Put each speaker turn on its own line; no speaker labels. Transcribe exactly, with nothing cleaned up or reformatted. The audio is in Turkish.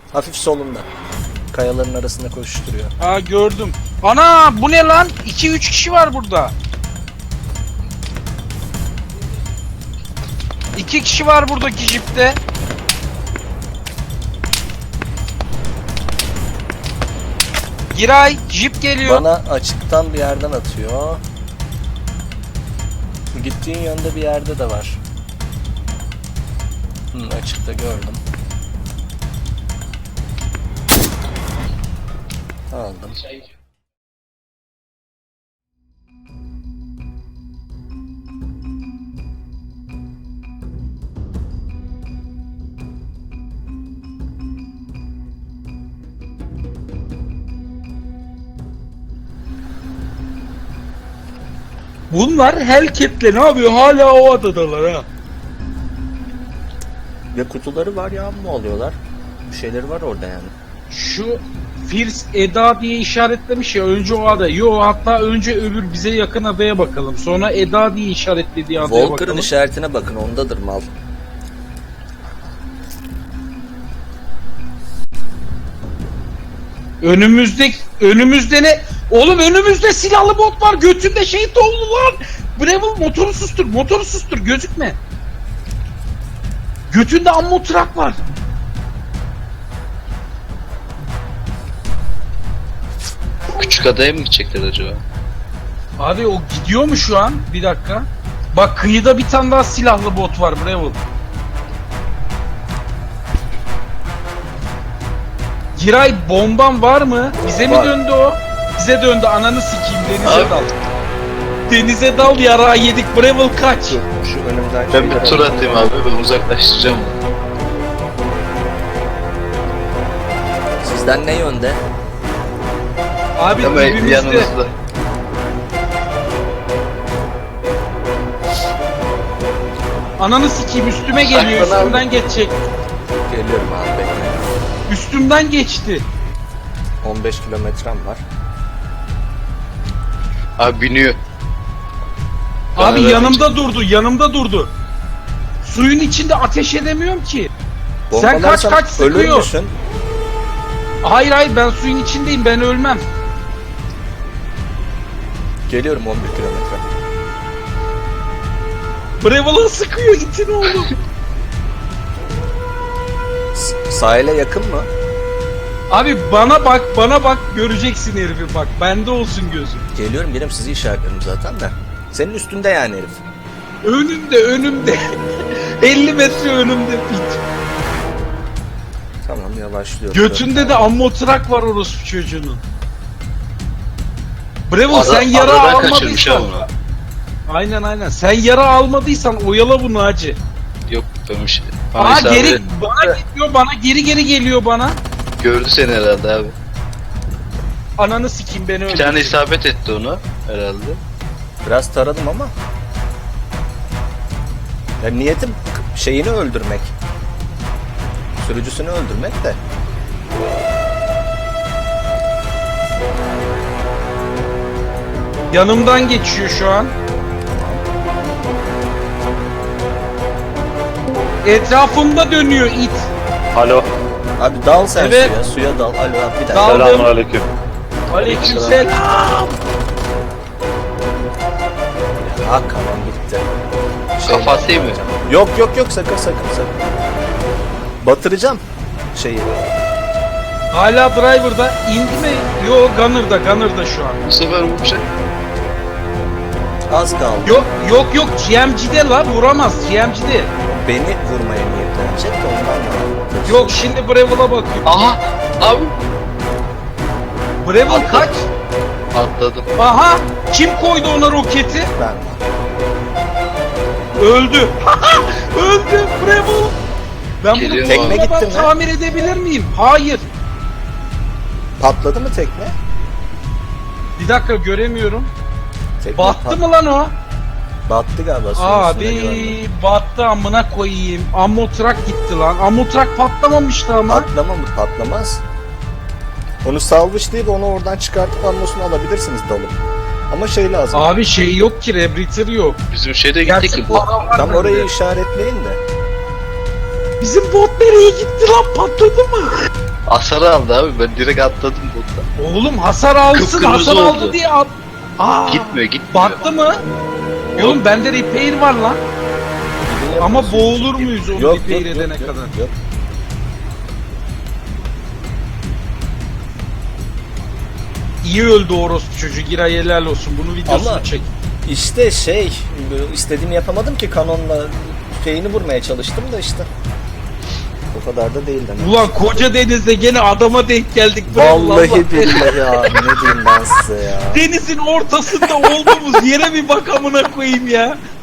Hafif solunda. Kayaların arasında koşuşturuyor.
Aa gördüm. Ana bu ne lan? iki üç kişi var burada. iki kişi var buradaki jipte. Giray, jip geliyor.
Bana açıktan bir yerden atıyor. Gittiğin yönde bir yerde de var. Hı, açıkta gördüm. Aldım.
Bunlar Hellcat'le ne yapıyor? Hala o adadalar ha.
Ve kutuları var ya mı oluyorlar? Bir şeyleri var orada yani.
Şu Fierce Eda diye işaretlemiş ya, önce o ada. Yo, hatta önce öbür bize yakın adaya bakalım. Sonra Eda diye işaretlediği adaya
Walker'ın
bakalım.
işaretine bakın, ondadır mal.
Önümüzde önümüzde ne? Oğlum önümüzde silahlı bot var. Götünde şey dolu lan. Breville motoru sustur. Motoru sustur. Gözükme. Götünde ammo trak var.
Küçük adaya mı gidecekler acaba?
Abi o gidiyor mu şu an? Bir dakika. Bak kıyıda bir tane daha silahlı bot var Breville. Giray bomban var mı? Bize
Var.
mi döndü o? Bize döndü, ananı sikeyim, denize
Abi.
dal. Denize dal, yarağı yedik. Breville kaç.
Dur, şu önümden
Ben
şeyleri
bir tur
alayım.
atayım abi, ben uzaklaştıracağım onu.
Sizden ne yönde?
Abi
Ama
dibimizde.
yanınızda.
Ananı sikeyim, üstüme geliyor,
Saklan abi.
üstümden geçecek.
Geliyorum abi, bekle.
Üstümden geçti.
on beş kilometrem var.
Abi biniyor.
Abi
Bana
yanımda durdu, yanımda durdu. Suyun içinde ateş edemiyorum ki. Sen kaç
Bombalarsam
kaç
ölür
sıkıyor.
müsün?
Hayır hayır, ben suyun içindeyim, ben ölmem.
Geliyorum on bir kilometre.
Breville'a sıkıyor itin oğlum.
S- Sahile yakın mı?
Abi bana bak, bana bak, göreceksin herifi, bak. Bende olsun gözüm.
Geliyorum, benim sizi işaretledim zaten de. Senin üstünde yani herif.
Önümde, önümde. elli metre önümde pit.
Tamam, yavaşlıyorum.
Götünde de ammo trak var orospu çocuğunun. Breville,
Ada-
sen yara
adadan kaçırmış
almadıysan.
ama.
Aynen aynen. Sen yara almadıysan oyala bunu hacı.
Yok ben bir şey. Bana
Aa
isabet
geri
et-
bana geliyor, bana geri geri geliyor bana.
Gördü seni herhalde abi.
Ananı sikeyim, beni
Bir
öldür.
tane isabet etti onu herhalde.
Biraz taradım ama. Ya niyetim şeyini öldürmek. Sürücüsünü öldürmek de.
Yanımdan geçiyor şu an. Etrafımda dönüyor it.
Alo.
Abi dal sen
Evet.
suya, suya dal. Alo abi bir dakika.
Dal.
Selamun aleyküm.
Aleykümselam.
Ha kalan gitti. Şey
Kafası iyi mi?
Yok yok yok, sakın sakın sakın. Batıracağım şeyi.
Hala driver'da indi mi? Yo, Gunner'da, Gunner'da şu an.
Bu sefer vuracak.
Az kaldı.
Yok yok yok, G M G'de la, vuramaz G M G'de.
Beni vurmaya niyetlenecek de ondan.
Yok, şimdi Breville'a bakıyor.
Aha! Abi!
Breville
Atla.
kaç?
Atladım.
Aha! Kim koydu ona roketi?
Ben.
Öldü. Öldü Breville. Ben bunu
Geliyor
Tekne
abi.
gitti
ben
mi?
tamir edebilir miyim? Hayır.
Patladı mı tekne?
Bir dakika, göremiyorum.
Tekne
Battı
pat-
mı lan o?
Battı galiba. suyun üstünde gördüm.
Abi battı, amına koyayım. Ammo trak gitti lan. Ammo trak patlamamıştı ama.
Patlama mı? Patlamaz. Onu salvışlayıp onu oradan çıkartıp ammusunu alabilirsiniz dalıp. Ama şey lazım.
Abi şey yok ki, Rebreather yok.
Bizim şeyde gittik
Gerçi
ki bu.
para var
Tam
bende.
orayı işaretleyin de.
Bizim bot nereye gitti lan, patladı mı?
Hasar aldı abi. Ben direkt atladım botla.
Oğlum hasar alsın,
Kıpkırmızı
hasar
oldu.
aldı diye at. Aa,
Gitmiyor gitmiyor.
battı mı? Oğlum bende repair var lan. Ama boğulur muyuz onu
Yok,
repair
yok,
edene
yok, yok,
kadar?
yok.
İyi öldü orospu çocuğu. Giray helal olsun. Bunu videosunu
Ama-
çek.
İşte şey, istediğimi yapamadım ki kanonla şeyini vurmaya çalıştım da işte. O kadar da değil demek.
Ulan koca denizde gene adama denk geldik.
Vallahi billahi abi, ne diyeyim ben size ya.
Denizin ortasında olduğumuz yere bir bak amına koyayım ya.